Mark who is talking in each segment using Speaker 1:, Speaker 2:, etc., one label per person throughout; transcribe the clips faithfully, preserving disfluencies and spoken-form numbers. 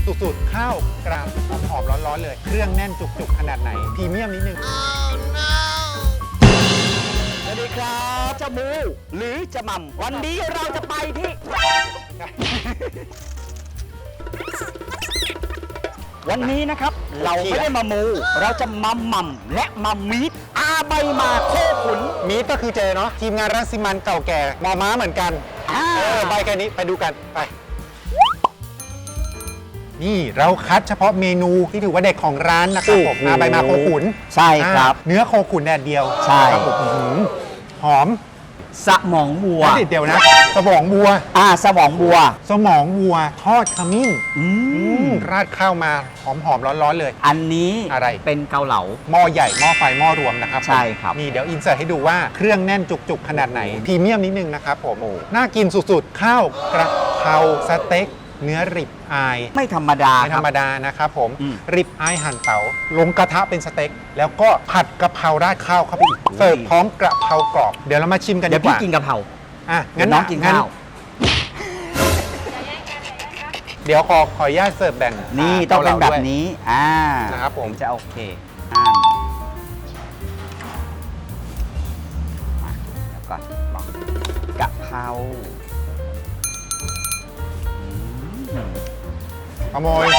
Speaker 1: สุดๆข้าวกราบหอมๆร้อนๆเลยเครื่องแน่นจุกๆขนาดไหนพรีเมียมนิดนึง
Speaker 2: สวัสดีครับเจ้ามูหรือจะหม่ำวันนี้เราจะไปที่ วันนี้นะครับเราไม่ได้มามู เราจะมาหม่ำและมามีดอาใบมาโคขุน
Speaker 1: มีดก็คือเจเนาะทีมงานรังสิมันเก่าแก่มอม้าเหมือนกัน
Speaker 2: อ่า
Speaker 1: เออใบแค่นี้ไปดูกันไปนี่เราคัดเฉพาะเมนูที่ถือว่าเด็กของร้านนะครับผมอาใบมาโคขุน
Speaker 2: ใช่ครับ
Speaker 1: อ่าเนื้อโคขุนแดดเดียว
Speaker 2: ใช่
Speaker 1: ครับผมอื้อหือหอม
Speaker 2: สมองวัว
Speaker 1: เดี๋ยวนะสมองวัว
Speaker 2: อ่าสมองวัว
Speaker 1: สมองวัวทอดขมิ้น
Speaker 2: อื
Speaker 1: อื
Speaker 2: ม
Speaker 1: มราดข้าวมาหอมๆร้อนๆเลย
Speaker 2: อันนี้
Speaker 1: อะไร
Speaker 2: เป็นเกาเหลา
Speaker 1: หม้อใหญ่หม้อไฟหม้อรวมนะครับผม
Speaker 2: ใช่ครับ
Speaker 1: นี่เดี๋ยวอินเสิร์ตให้ดูว่าเครื่องแน่นจุกๆขนาดไหนพรีเมียมนิดนึงนะครับผม
Speaker 2: โอ้
Speaker 1: น่ากินสุดๆ ข้าวกระเพราสเต็กเนื้อริบอาย
Speaker 2: ไม่ธรรมดา
Speaker 1: ไม่
Speaker 2: ค
Speaker 1: ธร
Speaker 2: รับ
Speaker 1: รมดานะครับผม
Speaker 2: อืม
Speaker 1: ริบอายหั่นเต๋าลงกระทะเป็นสเต็กแล้วก็ผัดกะเพราราดข้าวเข้าไปอีกเสิร์ฟพร้อมกระเพรากรอบเดี๋ยวเรามาชิมกัน
Speaker 2: เดี๋
Speaker 1: ดี
Speaker 2: ยว
Speaker 1: ก
Speaker 2: พี่
Speaker 1: ว่า
Speaker 2: กินกะเพรา
Speaker 1: อ่ะ
Speaker 2: เดี๋
Speaker 1: งั้
Speaker 2: ยวน น้องกินข้าว
Speaker 1: เดี๋ยวขอขออนุญาตเสิร์ฟแบ่ง
Speaker 2: นี่ต้องเป็นแบบนี้ อ่า
Speaker 1: นะครับผม
Speaker 2: ถึงจะโอเคอ่ามาเดี๋ยวก่อนลองกะเพราอืม
Speaker 1: ขโมย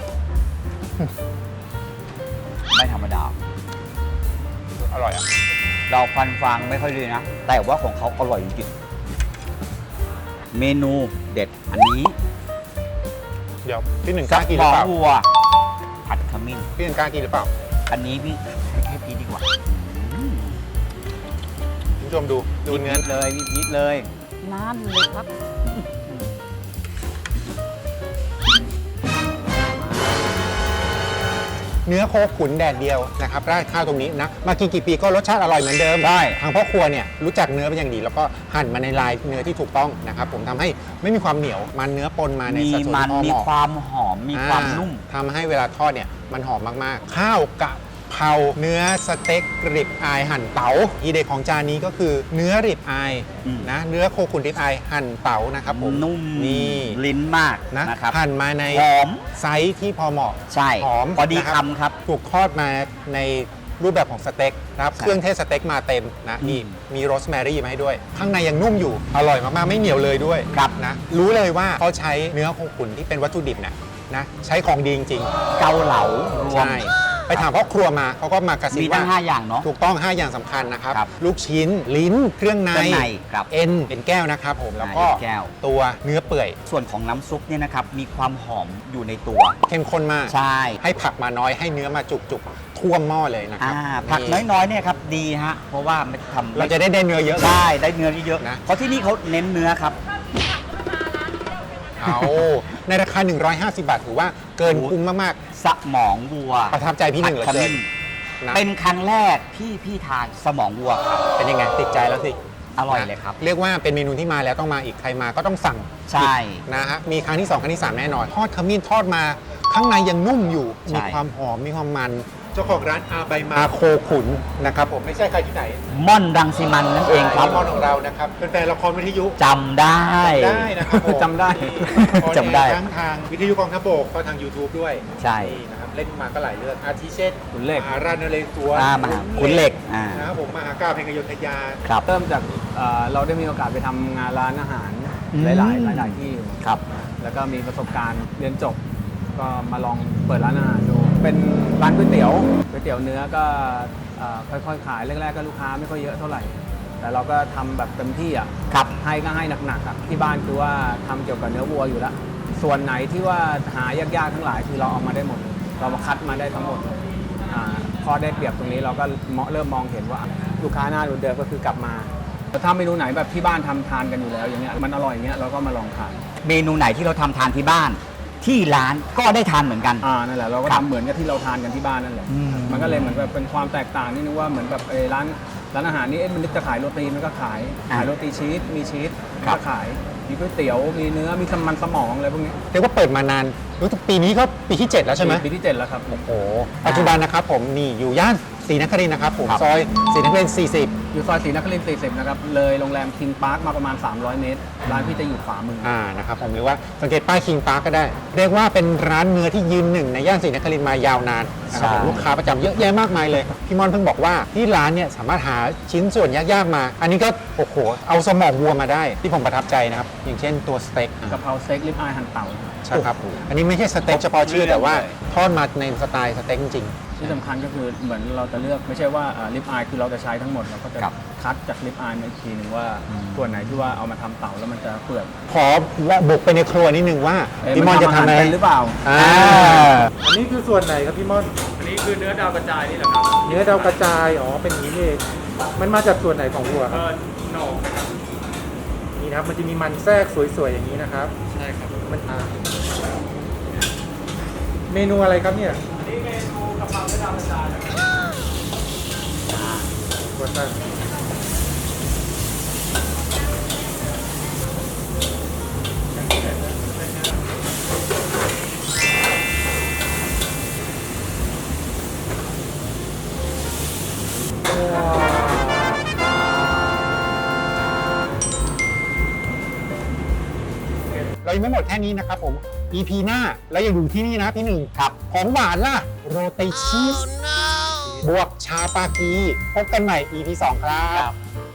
Speaker 2: ไม่ธรรมดา
Speaker 1: อร่อยอ่ะ
Speaker 2: เราฟันฟังไม่ค่อยดีนะ แต่ว่าของเขาอร่อยจริงๆเมนูเด็ดอันนี้
Speaker 1: เดี๋ยวพี่หนึ่งก
Speaker 2: กระ
Speaker 1: ล้ากินห
Speaker 2: เพ
Speaker 1: รือเปล่า
Speaker 2: าะวัว ผัดขมิ้น
Speaker 1: พี่หนึ่งกล้ากินหรือเปล่า
Speaker 2: อันนี้พี่ให้ให้พี่ดีกว่าอืม
Speaker 1: คุณผู้ชมดูดูเนื้อ
Speaker 2: นิดเลยนิดนิดเลยนั่นเลยครับ
Speaker 1: เนื้อโคขุนแดดเดียวนะครับราดข้าวตรงนี้นะมากินกี่ปีก็รสชาติอร่อยเหมือนเดิมได้ทางพ่อครัวเนี่ยรู้จักเนื้อเป็นอย่างดี แล้วก็หั่นมาในลายเนื้อที่ถูกต้องนะครับผมทำให้ไม่มีความเหนียวมันเนื้อปนมาใน
Speaker 2: มี
Speaker 1: สัดส่วน
Speaker 2: มัน
Speaker 1: ที่พอ
Speaker 2: มี
Speaker 1: เหมาะ
Speaker 2: ความหอมมีความนุ่ม
Speaker 1: อ่าทำให้เวลาทอดเนี่ยมันหอมมากๆ ข้าวกะเพราเนื้อสเต็กริบอายหั่นเต๋าทีเด็ดของจานนี้ก็คือเนื้อริบอาย
Speaker 2: อืม
Speaker 1: นะเนื้อโคขุนริบอายหั่นเต๋านะครับผม
Speaker 2: นุ่ม
Speaker 1: นี่
Speaker 2: ลิ้นมาก
Speaker 1: นะ
Speaker 2: นะครับ
Speaker 1: หั่นมาใน
Speaker 2: หอม
Speaker 1: ไซส์ที่พอเหมาะ
Speaker 2: ใช่
Speaker 1: หอม
Speaker 2: พอดี
Speaker 1: นะ
Speaker 2: คำครับ
Speaker 1: ถูกทอดมาในรูปแบบของสเต็กนะครับ
Speaker 2: ใช่
Speaker 1: เครื่องเทศสเต็กมาเต็มนะ
Speaker 2: อืม
Speaker 1: มีมีโรสแมรี่มาให้ด้วย ข้างในยังนุ่มอยู่ อร่อยมาก ๆ ไม่เหนียวเลยด้วย
Speaker 2: ครับ
Speaker 1: นะรู้เลยว่าเขาใช้เนื้อโคขุนที่เป็นวัตถุดิบเนี่ยนะใช้ของดีจริง
Speaker 2: เกาเหลารว
Speaker 1: ๆ
Speaker 2: ม
Speaker 1: ใช่ไปถามพ่อครัวมาเขาก็มากระซิบ
Speaker 2: มี
Speaker 1: ว่า
Speaker 2: ทั้งห้าอย่างเนาะ
Speaker 1: ถูกต้อง ห้า อย่างสำคัญนะครับ
Speaker 2: ครับ
Speaker 1: ลูกชิ้นลิ้นเครื่องใน
Speaker 2: เครื่องในครับ
Speaker 1: เอ็นเป็นแก้วนะครับผมแล้วก็
Speaker 2: อ่าเป็นแก้ว
Speaker 1: ตัวเนื้อเปื่อย
Speaker 2: ส่วนของน้ำซุปเนี่ยนะครับ มีความหอมอยู่ในตัว
Speaker 1: เข้มข้นมาก
Speaker 2: ใช่
Speaker 1: ให้ผักมาน้อยให้เนื้อมาจุกๆท่วมหม้อเลยนะครั
Speaker 2: อ่า
Speaker 1: บ
Speaker 2: ผัก
Speaker 1: นี่
Speaker 2: น้อยๆเนี่ยครับดีฮะ เพราะว่ามันทำ
Speaker 1: เราจะได้ได้เนื้อเยอะเลย
Speaker 2: ใช่ได้เนื้อเยอะ
Speaker 1: นะ
Speaker 2: เพราะที่นี่เขาเน้นเนื้อครับ
Speaker 1: เอาในราคา หนึ่งร้อยห้าสิบบาทถือว่าเกินคุ้มมาก
Speaker 2: สมองวัว
Speaker 1: ๆ ประทับใจพี่หนึ่งเหลือ
Speaker 2: ผัดข
Speaker 1: เกิน
Speaker 2: มิ้น
Speaker 1: นะ
Speaker 2: เป็นครั้งแรกที่พี่ทานสมองวัวครับ
Speaker 1: เป็นยังไงติดใจแล้วสิ
Speaker 2: อร่อยเลยครับ
Speaker 1: เรียกว่าเป็นเมนูที่มาแล้วต้องมาอีกใครมาก็ต้องสั่ง
Speaker 2: ใช่
Speaker 1: นะฮะมีครั้งที่สองครั้งที่สามแน่นอนทอดขมิ้นทอดมาข้างในยังนุ่มอยู่
Speaker 2: ใช่
Speaker 1: มีความหอมมีความมันเจ้าของร้านอาใบมาโคขุนนะครับผมไม่ใช่ใครที่ไหน
Speaker 2: ม่อนรังสิมันนั่นเองครับ
Speaker 1: มอนของเรานะครับเป็นแฟนละครวิทยุ
Speaker 2: จำได้
Speaker 1: ได้นะครับผม
Speaker 2: จำได้
Speaker 1: ออนแอร์
Speaker 2: จำได้
Speaker 1: ทั้งทางวิทยุกองทัพบกก็ทาง YouTube ด้วย
Speaker 2: ใช่
Speaker 1: นี่นะครับเล่นมาก็หลายเรื่องอาทิเช่น
Speaker 3: ขุนเหล็ก
Speaker 1: มหาราชนเรศวร
Speaker 2: อ่ามหาขุนเหล็กอ่า
Speaker 1: นะครับผมมหากาพย์แห่งอยุธยา
Speaker 2: ครับ
Speaker 3: เริ่มจากเอ่อเราได้มีโอกาสไปทำงานร้านอาหาร
Speaker 2: อืม
Speaker 3: หลายๆหลายๆที่
Speaker 2: ครับ
Speaker 3: แล้วก็มีประสบการณ์เรียนจบ ก็มาลองเปิดร้านอาหารดู เป็นร้านก๋วยเตี๋ยวก๋วยเตี๋ยวเนื้อก็เอ่อค่อยๆขายแรกๆก็ลูกค้าไม่ค่อยเยอะเท่าไหร่ แต่เราก็ทำแบบเต็มที่อ่ะ
Speaker 2: ครับ
Speaker 3: ให้ก็ให้หนักๆอ่ะที่บ้านคือว่าทำเกี่ยวกับเนื้อวัวอยู่แล้ว ส่วนไหนที่ว่าหายากๆทั้งหลายคือเราเอามาได้หมด เรามาคัดมาได้ทั้งหมดอ่าข้อได้เปรียบตรงนี้เราก็เริ่มมองเห็นว่าลูกค้าหน้าเดิมๆก็คือกลับมาแต่ถ้าเมนูไหนแบบที่บ้านทำทานกันอยู่แล้วอย่างเงี้ยมันอร่อยอย่างเงี้ยเราก็มาลองทาน
Speaker 2: เมนูไหนที่เราทำทานที่บ้าน ที่ร้านก็ได้ทานเหมือนกัน
Speaker 3: อ่านั่นแหละเราก็
Speaker 2: ครับ
Speaker 3: ทำเหมือนกับที่เราทานกันที่บ้านนั่นแหละ
Speaker 2: อืม
Speaker 3: มันก็เลยเหมือนแบบเป็นความแตกต่างนี่นึกว่าเหมือนแบบเออร้านร้านอาหารนี่เอ๊ะมันนึกจะขายโรตีมันก็ขายขายโรตีชีสมีชีส
Speaker 2: ครับ
Speaker 3: ก็ขายมีก๋วยเตี๋ยวมีเนื้อมีสมันสมองอะไรพวกนี้
Speaker 1: เรียกว่าเปิดมานานรู้สึกปีนี้ก็ปีที่ เจ็ด แล้วใช่ไหม
Speaker 3: ปีที่เจ็ดแล้วครับ
Speaker 1: โอ้โหปัจจุบันนะครับผมนี่อยู่ย่านศรีนครินทร์นะครับผม
Speaker 2: ครับ
Speaker 1: ซอยศรีนครินทร์สี่สิบ
Speaker 3: อยู่ซอยศรีนครินทร์สี่สิบนะครับ เลยโรงแรมคิงพาร์คมาประมาณ สามร้อย เมตร ร้านพี่จะอยู่ขวามือ
Speaker 1: อ่านะครับผมหรือว่าสังเกตป้ายคิงพาร์คก็ได้ เรียกว่าเป็นร้านเนื้อที่ยืนหนึ่งในย่านศรีนครินทร์มายาวนานนะครับผม
Speaker 2: ใช่
Speaker 1: ลูกค้าประจำเยอะแยะมากมายเลย พี่มอนเพิ่งบอกว่าที่ร้านเนี่ยสามารถหาชิ้นส่วนยากๆมา อันนี้ก็โอ้โหเอาสมองวัวมาได้ที่ผมประทับใจนะครับอย่างเช่นตัวสเต็ก
Speaker 3: กะเพราสเต็กลิปอายหั่นเต่า
Speaker 1: ใช่ครับอันนี้ไม่ใช่สเต็กเฉพาะชื่อแต่ว่าทอดมาในสไตล์สเต็กจริง
Speaker 3: ที่สำคัญก็คือเหมือนเราจะเลือกไม่ใช่ว่าลิปอายคือเราจะใช้ทั้งหมดเราก็จะ
Speaker 2: ครับ
Speaker 3: คัดจากลิปอายมาอีกทีหนึ่งว่าส่วนไหนที่ว่าเอามาทำเต่าแล้วมันจะเปื่อย
Speaker 1: ขอบุกไปในครัวนิดนึงว่า
Speaker 3: เอ๊ะ
Speaker 1: พี่มอนจะทำอะไร
Speaker 3: มันทำอาหารเป็นหรือเปล่า
Speaker 1: อ่า
Speaker 4: อันนี้คือส่วนไหนครับพี่ม่อน
Speaker 3: อันนี้คือเนื้อดาวกระจายนี่แหละครับ
Speaker 4: เนื้อดาวกระจาย อ๋อ เป็นอย่างนี้นี่เองมันมาจากส่วนไหนของวัวครับ
Speaker 3: หนอกนะครับ
Speaker 4: นี่นะครับ มันจะมีมันแทรกสวยๆอย่างนี้นะครับ
Speaker 3: ใช่ครับ
Speaker 4: มันอ่าเมนูอะไรครับเนี่ย
Speaker 3: อันนี้เมนูกะเพราเนื้อดาวกระจายนะครับ
Speaker 4: วัวตั้งว้าว
Speaker 1: เรายังไม่หมดแค่นี้นะครับผม อี พี หน้าเรายังอยู่ที่นี่นะพี่หนึ่งครับของหวานล่ะโรตีชีสบวกชาปากีพบกันใหม่ อี พี สองครับ